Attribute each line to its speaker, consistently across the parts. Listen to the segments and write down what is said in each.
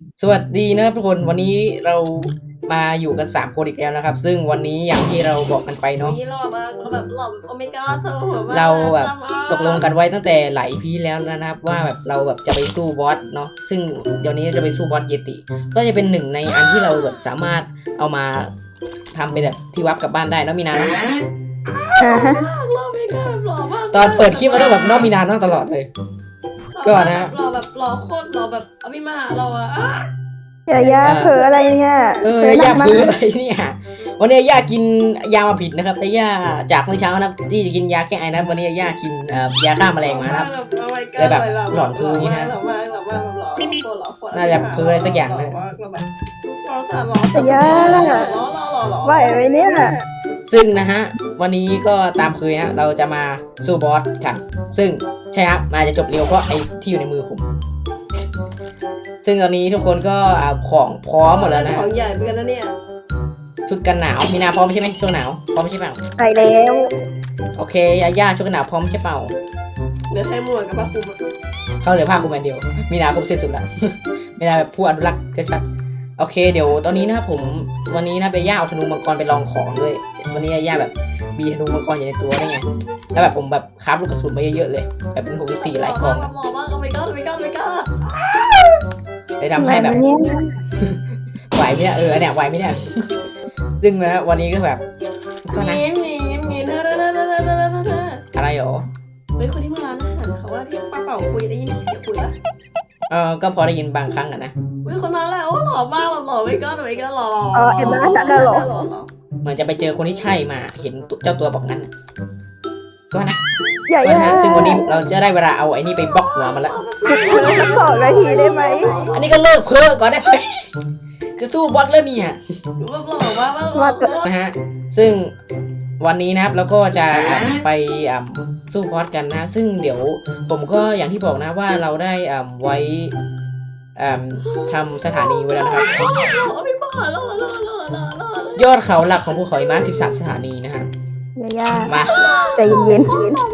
Speaker 1: สวัสดีนะครับทุกคนวันนี้เรามาอยู่กัน3 คนอีกแล้วนะครับซึ่งวันนี้อย่างที่เราบอกกันไปเนาะ
Speaker 2: นี่หล่อมากแบบหล่อแบบโอเมก้าเธอหัวมาก
Speaker 1: เราแบบ
Speaker 2: จำเอา
Speaker 1: ตกลงกันไว้ตั้งแต่หลายพีแล้วนะครับว่าแบบเราแบบจะไปสู้บอสเนาะซึ่งเดี๋ยวนี้จะไปสู้บอสเยติก็จะเป็นหนึ่งในอันที่เราแบบสามารถเอามาทำเป็นแบบที่วับกลับบ้านได้เนาะมีนาเนาะ
Speaker 2: หล่อเมก้าหล่อมาก
Speaker 1: ตอนเปิดคลิปมันต้องแบบเนอกมีนาต้องตลอดเลย ก็นะ
Speaker 2: หล่อแบบหล่อโคตรหล่อแบบอภิมหาเราอะ
Speaker 3: อย่าเผลออะไรเนี่ยเผลอหนั
Speaker 1: ย่าก
Speaker 3: มาก
Speaker 1: พื้นอะไรเนี่ยวันนี้ย่ากินยามาผิดนะครับแต่ย่าจากเมื่อเช้านะครับที่จะกินยาแก้ไอนะวันนี้ย่ากินยาฆ่าแมลงมานะครับ เลยแบบหลอนพื้นนี่นะ
Speaker 2: หล่อมากหล่อมากหล่อโคตรหล่อโคตร
Speaker 1: น่าจะพื้นอะไรสักอย่างนะ
Speaker 2: หล่อแบบหล่อสัสหล่อ
Speaker 3: แต่ย่า
Speaker 2: หล่อหล่อ
Speaker 3: ไหวไหมเนี่ย
Speaker 1: ซึ่งนะฮะวันนี้ก็ตามเคยนะเราจะมาสู้บอสกันซึ่งใช่ครับมาจะจบเร็วเพราะไอ้ที่อยู่ในมือผม ซึ่งตอนนี้ทุกคนก็ของพร้อมหมดแล้วนะ
Speaker 2: ของใหญ่เหมือนกันนะเนี่ย
Speaker 1: ชุดกันหนาวมีนาพร้อมใช่ไหมช่วงหนาวพร้อมใช่เปล่า
Speaker 3: ไปแล้ว
Speaker 1: โอเคย่าชุดกันหนาวพร้อมใช่เปล่า
Speaker 2: เดี๋ยวให้หมวกกับผ้าคลุม
Speaker 1: เขาเหลือผ้าคลุมอันเดียวมีนาครบเสร็จสุดแล้ว มีนาแบบผู้อนุรักษ์ชัดๆโอเคเดี๋ยวตอนนี้นะครับผมวันนี้นะไปย่าเอาธนูมังกรไปลองของด้วยวันนี้ย่าแบบมีธนูมังกรอยู่ในตัวได้ไงแล้วแบบผมแบบคราฟลูกกระสุนมาเยอะๆเลยแบบเป็น64หลายกองอะ
Speaker 2: หล่อมากโอเมก้าโอเมก้าโอเมก้า
Speaker 1: เลยทำให้แบบ
Speaker 3: เนี่ย
Speaker 1: ไหวไหมเนี่ยเนี่ยไหวไหมเนี่ย ซึ่งนะวันนี้ก็แบบก็นะ
Speaker 2: เงี้ยเงี้ยเธอ
Speaker 1: อะไรหรอ
Speaker 2: เฮ้ยคนที่มาร้านอาหารเขาว่าที่ป้าเป่าคุยได้ยินเสียงคุยปะ
Speaker 1: ก็พอได้ยินบางครั้งอะนะ
Speaker 2: เฮ้ยคนนั้นแหละโอ้หล่อมากหล่อไม่ก็หน่อยก็หล่อ
Speaker 3: เอ็มมาจัดหรอ
Speaker 1: เหมือนจะไปเจอคนที่ใช่มาเห็นเจ้าตัวบอกงั้นน่ะก็นะ
Speaker 3: อย่า
Speaker 1: ก็นะซึ่งวันนี้เราจะได้เวลาเอาไอ้นี่ไปบล็อกหัวมันละ
Speaker 3: สัก2 นาทีได้ไหม
Speaker 1: อันนี้ก็เลิกเพ้อก่อนได้ไหม จะสู้บอสแล้วเนี่ย
Speaker 2: แบบหล่อมากหล่อ
Speaker 1: นะฮะซึ่งวันนี้นะครับเราก็จะไปสู้บอสกันนะ ซึ่งเดี๋ยวผมก็อย่างที่บอกนะว่าเราได้ไว้ทำสถานีไว้แล้วนะครับ
Speaker 2: หล่อไม่บ้าหล่อ
Speaker 1: ยอดเขาหลักของภูเขาหิมะ13 สถานีนะฮะ
Speaker 3: อย่า
Speaker 1: มา
Speaker 3: ใจเย็น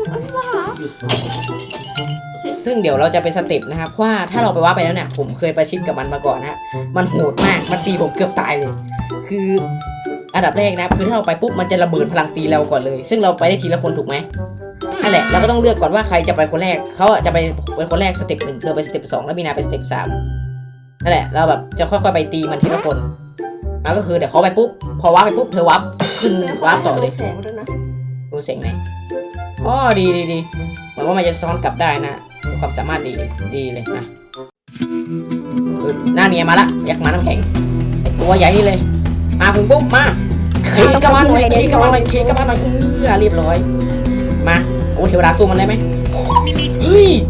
Speaker 1: ซึ่งเดี๋ยวเราจะเป็นสเต็ปนะครับว่าถ้าเราไปว่าไปแล้วเนี่ยผมเคยประชิดกับมันมาก่อนนะมันโหดมากมันตีผมเกือบตายเลย คืออันดับแรกนะครับคือถ้าเราไปปุ๊บมันจะระเบิดพลังตีเราก่อนเลย ซึ่งเราไปได้ทีละคนถูกไหมนั่นแหละเราก็ต้องเลือกก่อนว่าใครจะไปคนแรกเขาจะไปเป็นคนแรกสเต็ป1เธอไปสเต็ป2แล้วมีนาไปสเต็ป3นั่นแหละเราแบบจะค่อยๆไปตีมันทีละคนแล้วก็คือเดี๋ยวเขาไปปุ๊บพอว้าไปปุ๊บเธอวับขึ้นว้าต่อเลย
Speaker 2: แสงด้วยนะ
Speaker 1: ดูเสียงไหนอ๋อดีเหมือนว่ามันจะซ้อนกลับได้นะความสามารถดีเลยนะหน้าเนียมาละอยากมาน้ำแข็งไอตัวใหญ่นี่เลย มาถึงปุ๊บมาขี่กระบาลหน่อยขี่กระบาลหน่อยเรียบร้อยมาโอ้เทวดาสู้มันได้ไหมเฮ้ย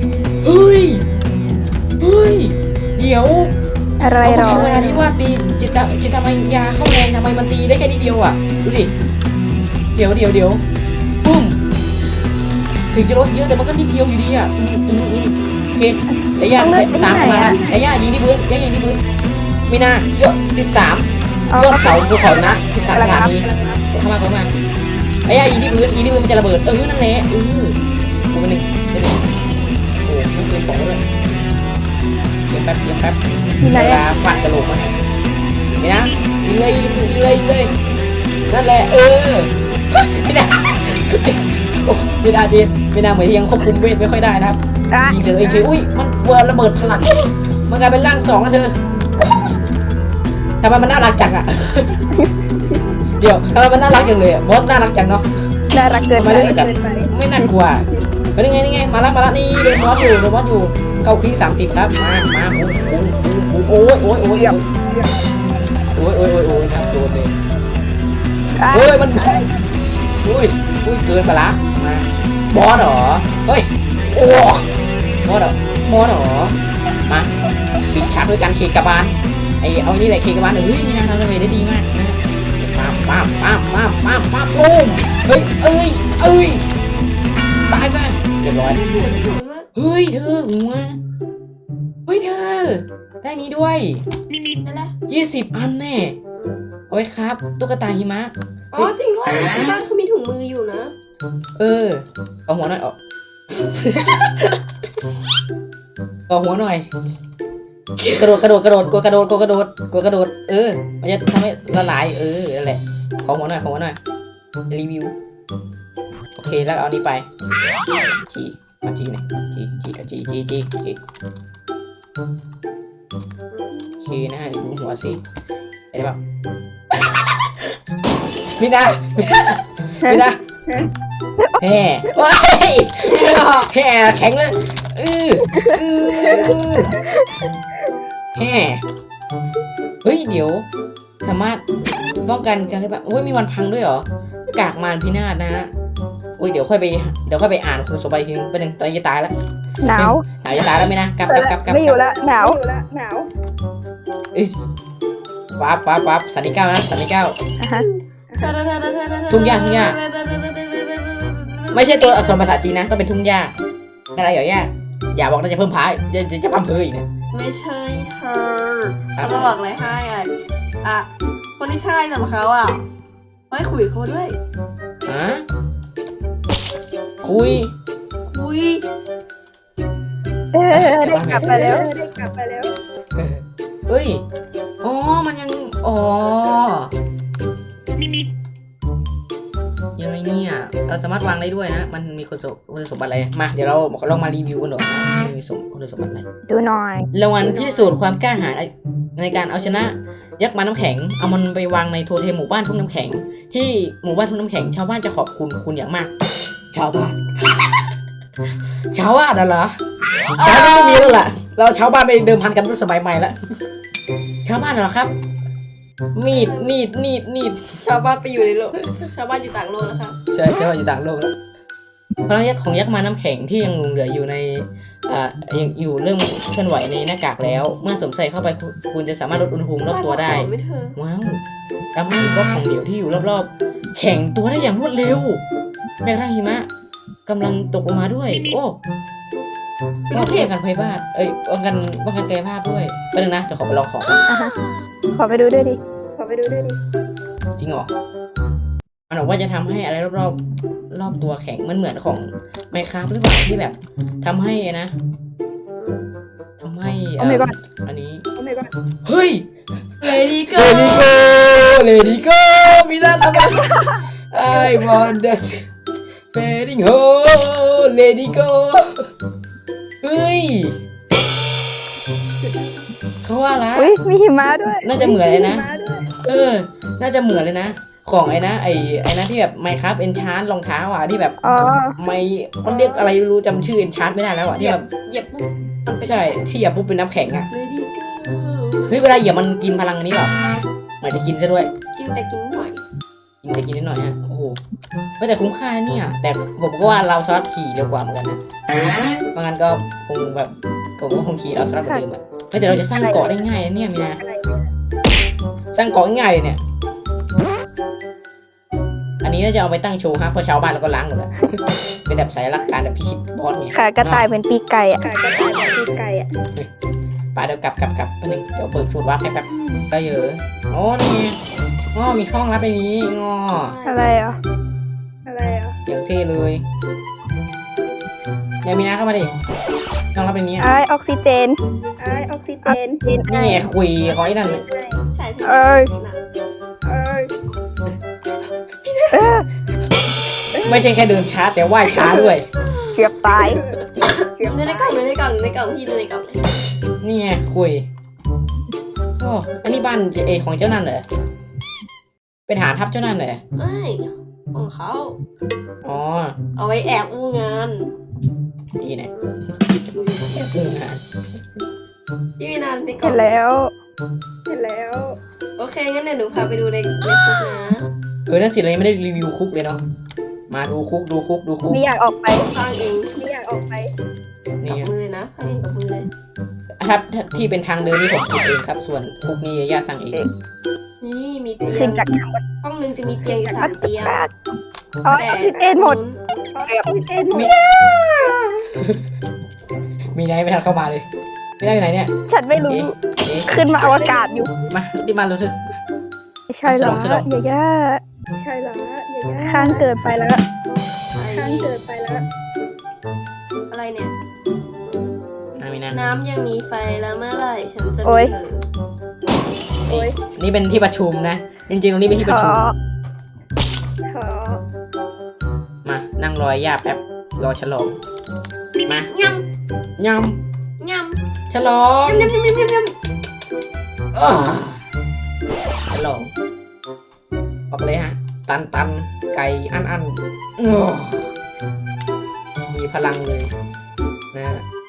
Speaker 1: เดี๋ยว
Speaker 3: อะไรหรอ
Speaker 1: เทวดาที่ว่าตีจิตทำไมยาเข้าแรงทำไมมันตีได้แค่นิดเดียวอ่ะดูดิเดี๋ยวปุ้มถึงจะลดเยอะแต่มันก็นิดเดียวอยู่ดีอ่ะโอเคไอ้ย่าตามมาไอ้ย่ายิงที่พื้นมีนาเยอะ13ยอดเขาภูเขานะ13 สถานีเข้ามาไอ้ย่ายิงที่พื้นมันจะระเบิดนั่นแหละกูเป็นหนึ่งโอ้ยปืนของเลยเดี๋ยวแป๊บ
Speaker 3: ที่ไหน
Speaker 1: เวลาฟันกระโหลกมันนี่นะยิงเลยนั่นแหละไม่ได้โอ้ไม่ได้จีนไม่ได้เหมือนที่ยังควบคุมเวทไม่ค่อยได้นะครับยิงเสร็จตัวเองเฉยอุ้ยมันกลัวระเบิดพลังมันกลายเป็นร่าง2แล้วเธอทำไมมันน่ารักจังอ่ะเดี๋ยวทำไมมันน่ารักจังเลยบอสน่ารักจังเนาะ
Speaker 3: น่ารักเกินไป
Speaker 1: ไม่น่ากลัวนี่ไงมาละนี่โดนบอสอยู่เข้าคลี30ครับมาโอ้ยครับโดนเลยมันเกินไปละมาบอสเหรอเฮ้ยโอ้บอสเหรอมาปิดฉากด้วยการเคกระบาลเอานี่แหละเคกระบาลนี่นะทำได้ดีมากนะป้ามปุ้มเฮ้ยตายซะเรียบร้อยเฮ้ยเธอหัวเธอได้นี้ด้วย20 อันแน่เอาไว้ครับตุ๊กตาหิมะ
Speaker 2: อ๋อจริงด้วยในบ้านเขามีถุงมืออยู่นะ
Speaker 1: เอาหัวหน่อยเอาหัวหน่อยกระโดดกระโดดกระโดดกดกระโดดกดกระโดดกดกระโดดมันจะทำให้ละลายนั่นแหละขอหัวหน่อยรีวิวโอเคแล้วเอานี้ไปจีมาจีเนี่ยจีโอเคนะเดี๋ยวดูหัวสิเห็นเปล่ามีนะแห่ว้ายแห่แข็งเลยแห่เฮ้ยเดี๋ยวสามารถป้องกันการที่แบบโอ้ยมีวันพังด้วยเหรอกากมารพินาศนะฮะโอ้ยเดี๋ยวค่อยไปอ่านคุณสมบัติทีนึงไปหนึ่งตอนนี้จะตายแล้ว
Speaker 3: หนาว
Speaker 1: จะตายแล้วไหมนะกลับ
Speaker 3: ไม่อยู่ละหนาว
Speaker 1: วับสันนิเก้านะสันนิเก้า ทุ่งหญ้าไม่ใช่ตัวอักษรภาษาจีนนะต้องเป็นทุ่งหญ้าอะไรอย่าบอกนะจะเพิ่มพายจะพังเพยอีกนะ
Speaker 2: ไม่ใช่เธอเขาจะบอกอะไรให้คนที่ใช่สำหรับเขาไม่คุยเขาด้วย
Speaker 1: ฮะคุย
Speaker 3: ได้กลับมาแล้ว
Speaker 1: เฮ้ยอ๋อมันยังยังไงเนี่ยเราสามารถวางได้ด้วยนะมันมีคุณสมบัติอะไรมาเดี๋ยวเราลองมารีวิวกันหน่อยมันมีคุณสมบัติอะไร
Speaker 3: ดูหน่อย
Speaker 1: รางวัลพิสูจน์ความกล้าหาญในการเอาชนะยักษ์ม้าน้ำแข็งเอามันไปวางในโทเทมหมู่บ้านทุ่งน้ำแข็งที่หมู่บ้านทุ่งน้ำแข็งชาวบ้านจะขอบคุณอย่างมากชาวบ้านน่ะเหรอชาวบ้านไม่มีแล้วล่ะเราชาวบ้านไปเดิมพันกันรุ่นสมัยใหม่แล้วชาวบ้านเหรอครับมีด
Speaker 2: ชาวบ้านไปอยู่ในโลกชาวบ้านอยู่ต่างโลกแล้วค่ะ
Speaker 1: ใช่ชาวบ้านอยู่ต่างโลกแล้วพลังยักษ์ของยักษ์ม้าน้ำแข็งที่ยังหลงเหลืออยู่ในยังอยู่เริ่มเคลื่อนไหวในหน้ากากแล้วเมื่อสวมใส่เข้าไปคุณจะสามารถลดอุณหภูมิรอบตัวได้ว้าวทำให้บล็อกของเหลวที่อยู่รอบๆแข็งตัวได้อย่างรวดเร็วแม้กระทั่งหิมะกำลังตกลงมาด้วยโอ้ป้องกันภัยพิบัติป้องกันกายภาพด้วยแป๊บนึงนะเดี๋ยวขอไปลองของ
Speaker 3: ขอไปดูด้วยดิ
Speaker 1: จริงเหรอมันบอกว่าจะทำให้อะไรรอบตัวแข็งมันเหมือนของไมค์ครับหรือเปล่าที่แบบทำให้นะทำให้
Speaker 3: โอ้ my god
Speaker 1: อันนี้เฮ้ย
Speaker 2: Lady Go
Speaker 1: มีหน้าทำไม I want the fading home Lady Go เฮ้ยเขาว่าละ
Speaker 3: อุ้ยมีหิมะด้วย
Speaker 1: น่าจะเหมือนเลยนะน่าจะเหมือนเลยนะของไอ้นะที่แบบไมค์ครับเอนชาร์รองเท้าที่แบบไม่เขาเรียกอะไรไม่รู้จำชื่อเอนชาร์ไม่ได้แล้วที่แบบ
Speaker 2: เหยียบปุ๊บ
Speaker 1: ใช่ที่เหยียบปุ๊บเป็นน้ำแข็ง
Speaker 2: Lady Go
Speaker 1: เฮ้ยเวลาเหยียบมันกินพลังอันนี้เปล่าเหมือนจะกินซะด้วย
Speaker 2: กินหน่อย
Speaker 1: กินนิดหน่อยฮะโอ้โหแต่คุ้มค่าเนี่ยแต่ผมก็ว่าเราสลัดขี่เร็วกว่าเหมือนกันนะเพราะงั้นก็คงแบบผมก็คงขี่เราสลัดเหมือนเดิมแต่เราจะสร้างเกาะได้ง่ายนะเนี่ยมีนะสร้างเกาะง่ายเลยเนี่ยอันนี้น่าจะเอาไปตั้งโชว์ครับเพราะชาวบ้านเราก็ล้างหมดแล้วเป็นแบบสายลักการแบบพิชิตบอสเนี่ย
Speaker 3: ค่ะกระต่ายเป็นปีกไก่อะ
Speaker 1: ป่าเดี๋ยวกลับแป๊บนึงเดี๋ยวเปิดสูตรวัดให้แป๊บก็เยอะโอ้นี่มีห้องลับในนี้
Speaker 3: อะไรอ่ะ
Speaker 1: อย่างเท่เลยเนี่ยมีน้าเข้ามาดิห้องลับในนี้
Speaker 3: ไอออกซิเจน
Speaker 1: นี่ไงคุยของไอ้นั่น
Speaker 2: ใช่
Speaker 1: ไม่ใช่แค่เดินช้าแต่ว่ายช้าด้วย
Speaker 3: เกือบตาย
Speaker 2: ในกล่องที่ในกล่องเลย
Speaker 1: นี่ไงคุยโอ้อันนี้บ้านของเจ้านั่นเหรอเป็นฐานทัพเจ้านั่นเหรอ
Speaker 2: ไม่ของเขา
Speaker 1: อ๋อ
Speaker 2: เอาไว้แอบอู้งาน
Speaker 1: นี่ไง
Speaker 2: พี่วินันในกล่
Speaker 3: เห็
Speaker 2: อง
Speaker 3: นแล้ว
Speaker 2: โอเคงั้นเดี๋ยวหนูพาไปดูในคุกนะ
Speaker 1: นั่นสิเรายังไม่ได้รีวิวคุกเลยเนาะมาดูคุก
Speaker 3: ไม่อยากออกไป
Speaker 2: สร้างเอง
Speaker 1: นี่
Speaker 2: กับมือนะสร้างเองกับมือเลย
Speaker 1: ถ้าที่เป็นทางเดินนี่ผมทำเองครับส่วนคุกนี่ย่าสั่งเอง
Speaker 2: นี่มีเตีย
Speaker 3: ขึ้
Speaker 2: ง
Speaker 3: นจากทางบน
Speaker 2: ห้องนึงจะมีเตียงอยู่3 เตียง
Speaker 3: อ๋อออกซิเจนหมด
Speaker 1: มีไหนไม่ทันเข้ามาเลยไม่ได้อยู่ไหนเนี่ย
Speaker 3: ฉันไม่รู้ ขึ้นมาอวกาศอยู่
Speaker 1: มารีบมาเร็วเถอะ
Speaker 3: ใช่เหรอ
Speaker 1: ฉลอง
Speaker 3: อย่าย่าข้างเกิดไปแล้ว
Speaker 2: อะไรเนี่ย
Speaker 1: มีนะ
Speaker 2: น้ำยังมีไฟแล้วเมื่อไหร่ฉันจะ
Speaker 3: โอ๊
Speaker 2: มี
Speaker 3: ย
Speaker 2: เธอ
Speaker 3: โอ๊ย
Speaker 1: นี่เป็นที่ประชุมนะ จริงๆตรงนี้เป็นที่ประชุม
Speaker 3: ขอ
Speaker 1: มานั่งรอย่าแป๊บรอฉลองมาย
Speaker 2: ำ
Speaker 1: ย
Speaker 2: ย
Speaker 1: ำฉลอง
Speaker 2: ำยำยำยำยำยำ
Speaker 1: อ้อฉลองออกเลยฮะ ตันไก่อันอ้อมีพลังเลยนะ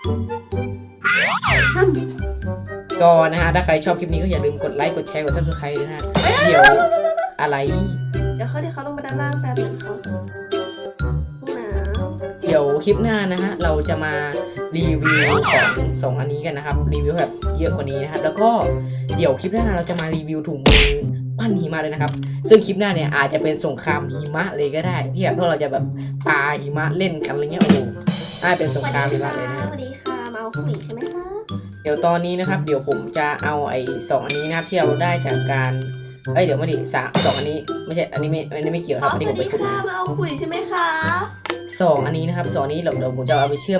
Speaker 1: ก็นะฮะถ้าใครชอบคลิปนี้ก็อย่าลืมกดไลค์กดแชร์กด subscribe ด้วยนะฮะเดี๋ยวอะไร
Speaker 2: เดี๋ยวเขาลงมาด้านล่างแป๊บหนึงเขาพวกนะ
Speaker 1: เดี๋ยวคลิปหน้านะฮะเราจะมารีวิวของสองอันนี้กันนะครับรีวิวแบบเยอะกว่านี้นะครับแล้วก็เดี๋ยวคลิปหน้าเราจะมารีวิวถุงมือปั้นหิมะเลยนะครับซึ่งคลิปหน้าเนี่ยอาจจะเป็นสงครามหิมะเลยก็ได้ที่แบบพวกเราจะแบบปาหิมะเล่นกันอะไรเงี้ยโอ้โหน่าเป็นสงครามหิมะเลยนะ
Speaker 2: สวัสดีค่ะมาเอาผู้หญิงใช่ไหมคะ
Speaker 1: เดี๋ยวตอนนี้นะครับเดี๋ยวผมจะเอาไอ้สองอันนี้นะครับที่เราได้จากการเดี๋ยวไม่ดิสองอันนี้ไม่ใช่อันนี้ไม่เกี่ยวครับอันนี้
Speaker 2: ส
Speaker 1: ผ
Speaker 2: วั
Speaker 1: ม
Speaker 2: ส
Speaker 1: ไป
Speaker 2: ดี
Speaker 1: ขุด
Speaker 2: ค่ะมาเอาผู้หญิงใช่ไหมคะ
Speaker 1: สองอันนี้นะครับสองอันนี้เดี๋ยวผมจะเอาไปเชื่อม